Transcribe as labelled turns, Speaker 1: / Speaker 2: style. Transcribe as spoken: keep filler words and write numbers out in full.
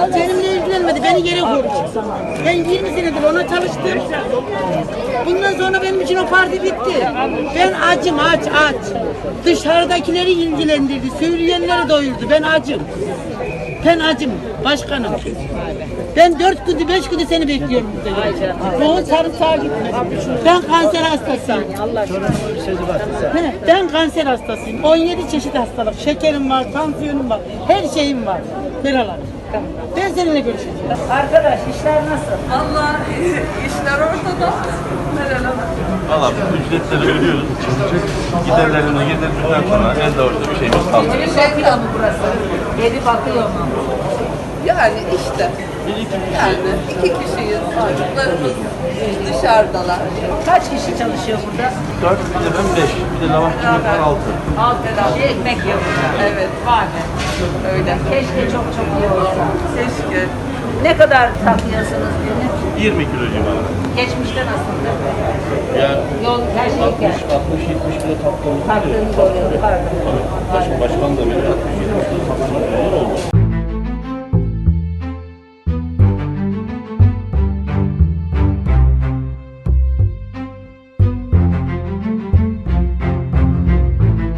Speaker 1: Benimle ilgilenmedi, beni yere koydu. Ben yirmi senedir ona çalıştım. Bundan sonra benim için o parti bitti. Ben acım, aç, aç. Dışarıdakileri ilgilendirdi, söyleyenleri doyurdu. Ben acım. Ben acım, başkanım. Ben dört gündür, beş gündür seni bekliyorum burada. Doğu sarımsağa gitme. Ben kanser hastasıyım. He, ben kanser hastasıyım. on yedi çeşit hastalık. Şekerim var, tansiyonum var. Her şeyim var. Merhaba. Ben seninle görüşeceğim. Arkadaş, işler nasıl?
Speaker 2: Vallahi işler ortada. Meral Hanım.
Speaker 3: Valla ücretleri ödüyoruz. Giderlerini getirdikten sonra elde orada bir şeyimiz kalmıyor.
Speaker 1: Evi bakıyor mu burası? Evi bakıyor mu?
Speaker 2: Yani işte. Yani iki kişiyiz. Çocuklarımız dışarıdalar.
Speaker 1: Kaç kişi çalışıyor burada?
Speaker 3: Dört, bir de ben beş, bir de lavaşçımız var altı.
Speaker 1: Alt bir ekmek yiyor.
Speaker 2: Evet.
Speaker 1: Var mı?
Speaker 2: Öyle.
Speaker 1: Keşke çok çok iyi olsa.
Speaker 2: Keşke.
Speaker 1: Ne kadar takıyorsunuz günlük?
Speaker 3: yirmi kilo civarı.
Speaker 1: Geçmişte nasıldı?
Speaker 3: Yani
Speaker 1: Yol her şey
Speaker 3: altmış,
Speaker 1: geldi.
Speaker 3: altmış, yetmiş kilo taktığımız
Speaker 1: Taktığınız oluyor. Pardon.
Speaker 3: Başkan da benim